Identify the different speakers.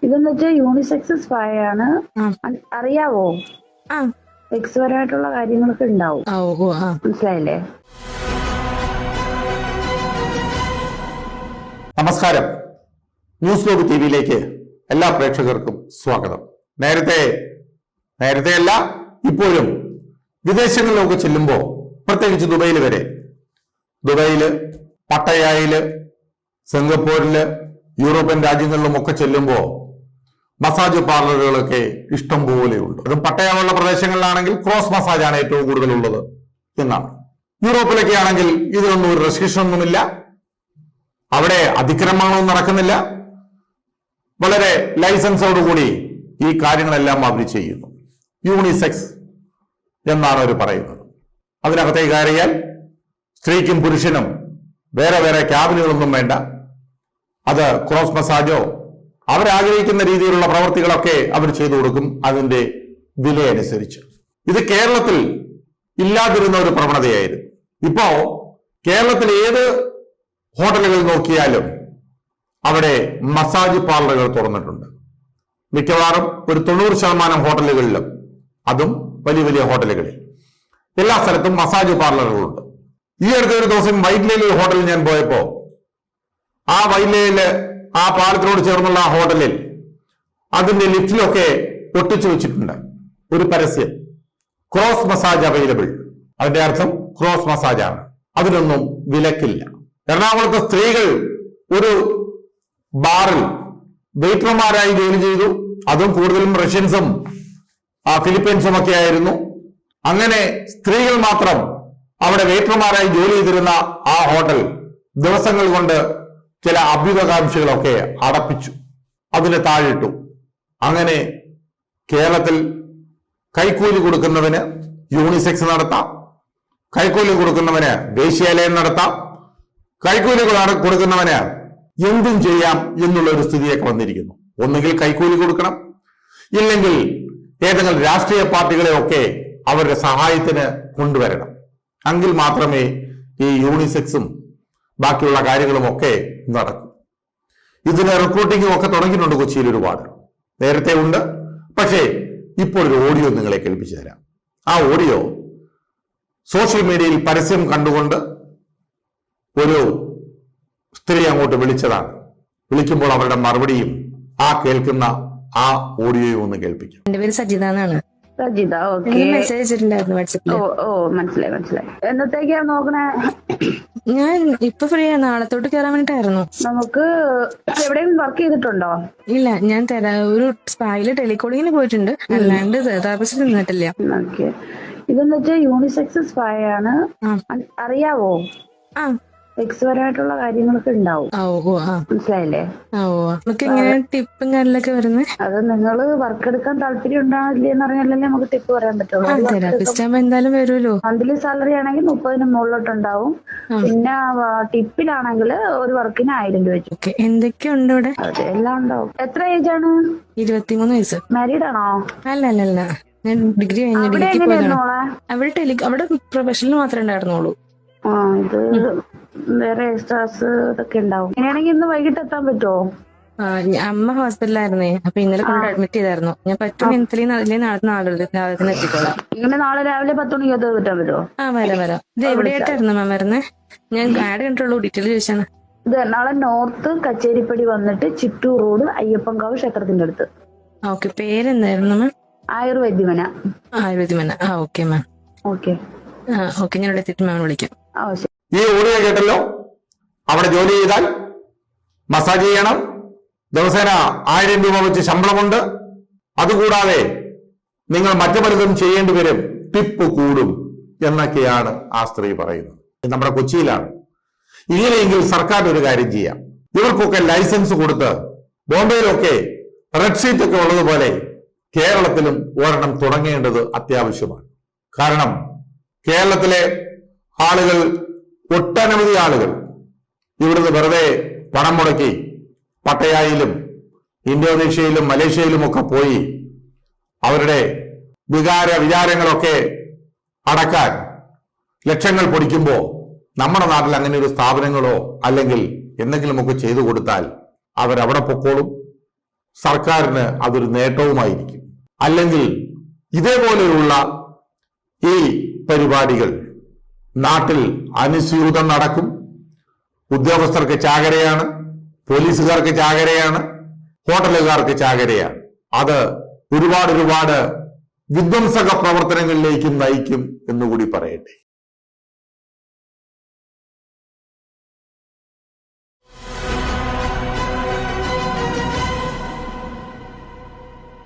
Speaker 1: ഇതെന്ന് വെച്ചാൽ unisex spa ആണ്. അറിയാവോ? സെക്സ് പരമായിട്ടുള്ള കാര്യങ്ങളൊക്കെ ഉണ്ടാവും. മനസ്സിലായില്ലേ?
Speaker 2: നമസ്കാരം. ന്യൂസ് ലോബ് ടിവിയിലേക്ക് എല്ലാ പ്രേക്ഷകർക്കും സ്വാഗതം. നേരത്തെയല്ല ഇപ്പോഴും വിദേശങ്ങളിലൊക്കെ ചെല്ലുമ്പോൾ, പ്രത്യേകിച്ച് ദുബൈയില്, പട്ടയായില്, സിംഗപ്പൂരില്, യൂറോപ്യൻ രാജ്യങ്ങളിലുമൊക്കെ ചെല്ലുമ്പോൾ മസാജ് പാർലറുകളൊക്കെ ഇഷ്ടം പോലെയുണ്ട്. അതും പട്ടയമുള്ള പ്രദേശങ്ങളിലാണെങ്കിൽ ക്രോസ് മസാജാണ് ഏറ്റവും കൂടുതലുള്ളത് എന്നാണ്. യൂറോപ്പിലൊക്കെ ആണെങ്കിൽ ഇതിനൊന്നും ഒരു റെസ്ട്രിക്ഷൻ ഒന്നുമില്ല. അവിടെ അതിക്രമങ്ങളൊന്നും നടക്കുന്നില്ല. വളരെ ലൈസൻസോടുകൂടി ഈ കാര്യങ്ങളെല്ലാം അവർ ചെയ്യുന്നു. യൂണിസെക്സ് എന്നാണ് അവർ പറയുന്നത്. അതിനകത്തേക്ക് കയറിയാൽ സ്ത്രീക്കും പുരുഷനും വേറെ വേറെ ക്യാബിനുകളൊന്നും വേണ്ട. അത് ക്രോസ് മസാജോ അവരാഗ്രഹിക്കുന്ന രീതിയിലുള്ള പ്രവൃത്തികളൊക്കെ അവർ ചെയ്തു കൊടുക്കും, അതിന്റെ വിലയനുസരിച്ച്. ഇത് കേരളത്തിൽ ഇല്ലാതിരുന്ന ഒരു പ്രവണതയായിരുന്നു. ഇപ്പോ കേരളത്തിൽ ഏത് ഹോട്ടലുകൾ നോക്കിയാലും അവിടെ മസാജ് പാർലറുകൾ തുറന്നിട്ടുണ്ട്. മിക്കവാറും ഒരു 90% ഹോട്ടലുകളിലും, അതും വലിയ വലിയ ഹോട്ടലുകളിൽ, എല്ലാ സ്ഥലത്തും മസാജ് പാർലറുകളുണ്ട്. ഈ അടുത്ത ഒരു ദിവസം വൈറ്റ്ലയിൽ ഒരു ഹോട്ടലിൽ ഞാൻ പോയപ്പോ, ആ വൈറ്റ്ലയില് ആ പാലത്തിനോട് ചേർന്നുള്ള ആ ഹോട്ടലിൽ അതിന്റെ ലിഫ്റ്റിലൊക്കെ ഒട്ടിച്ചു വെച്ചിട്ടുണ്ട് ഒരു പരസ്യം, ക്രോസ് മസാജ് അവൈലബിൾ. അതിന്റെ അർത്ഥം ക്രോസ് മസാജാണ്, അതിനൊന്നും വിലക്കില്ല. എറണാകുളത്തെ സ്ത്രീകൾ ഒരു ബാറിൽ വെയിറ്റർമാരായി ജോലി ചെയ്തു. അതും കൂടുതലും റഷ്യൻസും ഫിലിപ്പീൻസും ഒക്കെ ആയിരുന്നു. അങ്ങനെ സ്ത്രീകൾ മാത്രം അവിടെ വെയിറ്റർമാരായി ജോലി ചെയ്തിരുന്ന ആ ഹോട്ടൽ ദിവസങ്ങൾ കൊണ്ട് ചില അഭ്യുതകാംക്ഷികളൊക്കെ അടപ്പിച്ചു, അതിനെ താഴിട്ടു. അങ്ങനെ കേരളത്തിൽ കൈക്കൂലി കൊടുക്കുന്നവന് യൂണിസെക്സ് നടത്താം, കൈക്കൂലി കൊടുക്കുന്നവന് വേശ്യാലയം നടത്താം, കൈക്കൂലി കൊടുക്കുന്നവന് എന്തും ചെയ്യാം എന്നുള്ള ഒരു സ്ഥിതിയൊക്കെ വന്നിരിക്കുന്നു. ഒന്നുകിൽ കൈക്കൂലി കൊടുക്കണം, ഇല്ലെങ്കിൽ ഏതെങ്കിലും രാഷ്ട്രീയ പാർട്ടികളെ ഒക്കെ അവരുടെ സഹായത്തിന് കൊണ്ടുവരണം. എങ്കിൽ മാത്രമേ ഈ യൂണിസെക്സും ബാക്കിയുള്ള കാര്യങ്ങളും ഒക്കെ നടക്കും. ഇതിന് റിക്രൂട്ടിങ്ങും ഒക്കെ തുടങ്ങിയിട്ടുണ്ട് കൊച്ചിയിൽ ഒരുപാട്. നേരത്തെ ഉണ്ട്, പക്ഷേ ഇപ്പോൾ ഒരു ഓഡിയോ നിങ്ങളെ കേൾപ്പിച്ചു തരാം. ആ ഓഡിയോ സോഷ്യൽ മീഡിയയിൽ പരസ്യം കണ്ടുകൊണ്ട് ഒരു സ്ത്രീ അങ്ങോട്ട് വിളിച്ചതാണ്. വിളിക്കുമ്പോൾ അവരുടെ മറുപടിയും ആ കേൾക്കുന്ന ആ ഓഡിയോയും ഒന്ന് കേൾപ്പിക്കാം.
Speaker 3: എന്റെ പേര് സജിത എന്നാണ്.
Speaker 1: സജിത,
Speaker 3: മെസ്സേജ് അയച്ചിട്ടുണ്ടായിരുന്നു വാട്സാപ്പിൽ.
Speaker 1: മനസ്സിലായി. എന്നത്തേക്കാ നോക്കണേ?
Speaker 3: ഞാൻ ഇപ്പൊ ഫ്രീ ആണ്, നാളത്തോട്ട് കയറാൻ വേണ്ടിട്ടായിരുന്നു.
Speaker 1: നമുക്ക് എവിടെയെങ്കിലും വർക്ക് ചെയ്തിട്ടുണ്ടോ?
Speaker 3: ഇല്ല, ഞാൻ ഒരു സ്പായില് ടെലികോളിങ്ങിന് പോയിട്ടുണ്ട്, അല്ലാണ്ട് തെറാപ്പിസ്റ്റ് നിന്നിട്ടില്ല.
Speaker 1: ഓക്കെ. ഇതെന്ന് വെച്ചാൽ യൂണിസെക്സ് സ്പാ ആണ്. അറിയാവോ? സെക്സ് പരമായിട്ടുള്ള കാര്യങ്ങളൊക്കെ ഉണ്ടാവും. മനസ്സിലായില്ലേ?
Speaker 3: ടിപ്പും കാര്യങ്ങളൊക്കെ വരുന്നത്
Speaker 1: അത് നിങ്ങള് വർക്ക് എടുക്കാൻ താല്പര്യം ഉണ്ടാവില്ലെന്ന് പറഞ്ഞാലേ നമുക്ക് ടിപ്പ് പറയാൻ പറ്റുള്ളൂ.
Speaker 3: എന്തായാലും വരുമല്ലോ.
Speaker 1: മന്ത്ലി സാലറി ആണെങ്കിൽ 30-ന് മുകളിലോട്ടുണ്ടാവും. പിന്നെ ടിപ്പിലാണെങ്കിൽ ഒരു വർക്കിന് 1000 രൂപ വെച്ചു.
Speaker 3: എന്തൊക്കെയുണ്ട് ഇവിടെ?
Speaker 1: അതെ, എല്ലാം ഉണ്ടാവും. എത്ര ഏജ് ആണ്?
Speaker 3: 23 വയസ്സ്.
Speaker 1: മാരീഡ് ആണോ?
Speaker 3: അല്ല, ഞാൻ ഡിഗ്രി കഴിഞ്ഞു. അവിടെ പ്രൊഫഷണൽ മാത്രമേ ഉണ്ടായിരുന്നുള്ളൂ.
Speaker 1: ഇത് വേറെ എക്സ്ട്രാസ് ഇതൊക്കെ ഉണ്ടാവും. ഇങ്ങനെയാണെങ്കിൽ ഇന്ന് വൈകിട്ട് എത്താൻ പറ്റുമോ?
Speaker 3: അമ്മ ഹോസ്പിറ്റലായിരുന്നേ, അപ്പൊ ഇന്നലെ കൊണ്ട് അഡ്മിറ്റ് ചെയ്തായിരുന്നു. ഞാൻ പറ്റും നാളെ എത്തിക്കോളാം.
Speaker 1: ഇങ്ങനെ നാളെ രാവിലെ 10 മണിക്ക് എത്താൻ പറ്റുമോ?
Speaker 3: വരാം. ഇത് എവിടെയായിട്ടായിരുന്നു മാം വരുന്നേ? ഞാൻ ആഡ് കണ്ടുള്ളൂ, ഡീറ്റെയിൽ ചോദിച്ചാണ്.
Speaker 1: ഇത് എറണാകുളം നോർത്ത് കച്ചേരിപ്പടി വന്നിട്ട് ചിറ്റൂർ റോഡ് അയ്യപ്പൻകാവ് ക്ഷേത്രത്തിന്റെ അടുത്ത്.
Speaker 3: ഓക്കെ. പേരെന്തായിരുന്നു മാം?
Speaker 1: ആയുർവേദ്യമന.
Speaker 3: Okay ma'am.
Speaker 1: ഓക്കെ,
Speaker 3: ഞാൻ ഇവിടെ എത്തിയിട്ട് മാം വിളിക്കാം.
Speaker 2: ഈ ഓഡിയോ കേട്ടല്ലോ. അവിടെ ജോലി ചെയ്താൽ മസാജ് ചെയ്യണം, ദിവസേന 1000 രൂപ വെച്ച് ശമ്പളമുണ്ട്. അതുകൂടാതെ നിങ്ങൾ മറ്റു പലതും ചെയ്യേണ്ടി വരും, ടിപ്പ് കൂടും എന്നൊക്കെയാണ് ആ സ്ത്രീ പറയുന്നത്. നമ്മുടെ കൊച്ചിയിലാണ്. ഇങ്ങനെയെങ്കിൽ സർക്കാർ ഒരു കാര്യം ചെയ്യാം, ഇവർക്കൊക്കെ ലൈസൻസ് കൊടുത്ത് ബോംബെയിലൊക്കെ റെഡ് ഷീറ്റ് ഒക്കെ ഉള്ളതുപോലെ കേരളത്തിലും ഒരെണ്ണം തുടങ്ങേണ്ടത് അത്യാവശ്യമാണ്. കാരണം കേരളത്തിലെ ആളുകൾ, ഒട്ടനവധി ആളുകൾ ഇവിടുന്ന് വെറുതെ പണം മുടക്കി പട്ടയായിലും ഇന്തോനേഷ്യയിലും മലേഷ്യയിലും ഒക്കെ പോയി അവരുടെ വിചാരങ്ങളൊക്കെ അടക്കാൻ ലക്ഷങ്ങൾ പൊടിക്കുമ്പോൾ നമ്മുടെ നാട്ടിൽ അങ്ങനെ ഒരു സ്ഥാപനങ്ങളോ അല്ലെങ്കിൽ എന്തെങ്കിലുമൊക്കെ ചെയ്തു കൊടുത്താൽ അവരവിടെ പൊക്കോളും. സർക്കാരിന് അതൊരു നേട്ടവുമായിരിക്കും. അല്ലെങ്കിൽ ഇതേപോലെയുള്ള ഈ പരിപാടികൾ നാട്ടിൽ അനുസ്യൂതം നടക്കും. ഉദ്യോഗസ്ഥർക്ക് ചാകരയാണ്, പോലീസുകാർക്ക് ചാകരയാണ്, ഹോട്ടലുകാർക്ക് ചാകരയാണ്. അത് ഒരുപാട് വിധ്വംസക പ്രവർത്തനങ്ങളിലേക്കും നയിക്കും എന്നുകൂടി പറയട്ടെ.